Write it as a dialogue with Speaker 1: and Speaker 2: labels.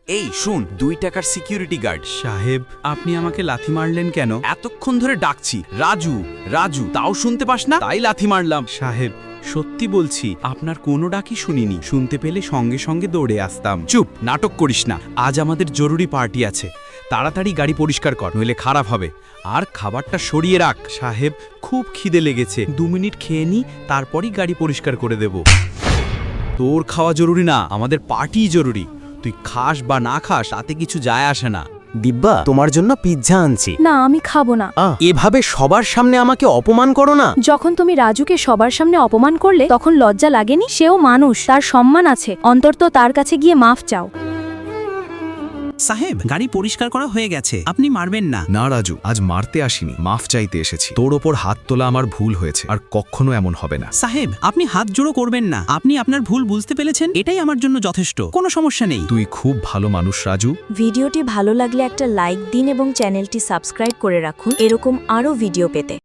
Speaker 1: এই শুন, 2 টাকার সিকিউরিটি গার্ড।
Speaker 2: সাহেব, আপনি আমাকে লাথি মারলেন কেন?
Speaker 1: এতক্ষণ ধরে ডাকছি, রাজু রাজু, তাও শুনতে পাস না, তাই লাথি মারলাম।
Speaker 2: সাহেব, সত্যি বলছি, আপনার কোনো ডাকই শুনিনি। শুনতে পেলে সঙ্গে সঙ্গে দৌড়ে আসতাম।
Speaker 1: চুপ, নাটক করিস না। আজ আমাদের জরুরি পার্টি আছে, তাড়াতাড়ি গাড়ি পরিষ্কার কর, নইলে খারাপ হবে। আর খাবারটা সরিয়ে রাখ।
Speaker 2: সাহেব, খুব খিদে লেগেছে, 2 মিনিট খেয়ে নি, তারপরই গাড়ি পরিষ্কার করে দেব।
Speaker 1: তোর খাওয়া জরুরি না, আমাদের পার্টি জরুরি। তুই খাস বা না খাস তাতে কিছু যায় আসে না।
Speaker 3: দিব্যা, তোমার জন্য পিৎজা আনছি।
Speaker 4: না, আমি খাবো না।
Speaker 3: এভাবে সবার সামনে আমাকে অপমান করো না।
Speaker 4: যখন তুমি রাজুকে সবার সামনে অপমান করলে তখন লজ্জা লাগেনি? সেও মানুষ, তার সম্মান আছে, অন্তত তার কাছে গিয়ে মাফ চাও।
Speaker 5: সাহেব, গাড়ি পরিষ্কার করা হয়ে গেছে, আপনি মারবেন না।
Speaker 6: না রাজু, আজ মারতে আসিনি, মাফ চাইতে এসেছি। তোর ওপর হাত তোলা আমার ভুল হয়েছে, আর কখনো এমন হবে না।
Speaker 5: সাহেব, আপনি হাত জোড়ো করবেন না। আপনি আপনার ভুল বুঝতে পেরেছেন, এটাই আমার জন্য যথেষ্ট। কোনো সমস্যা নেই।
Speaker 6: তুই খুব ভালো মানুষ রাজু।
Speaker 7: ভিডিওটি ভালো লাগলে একটা লাইক দিন এবং চ্যানেলটি সাবস্ক্রাইব করে রাখুন এরকম আরও ভিডিও পেতে।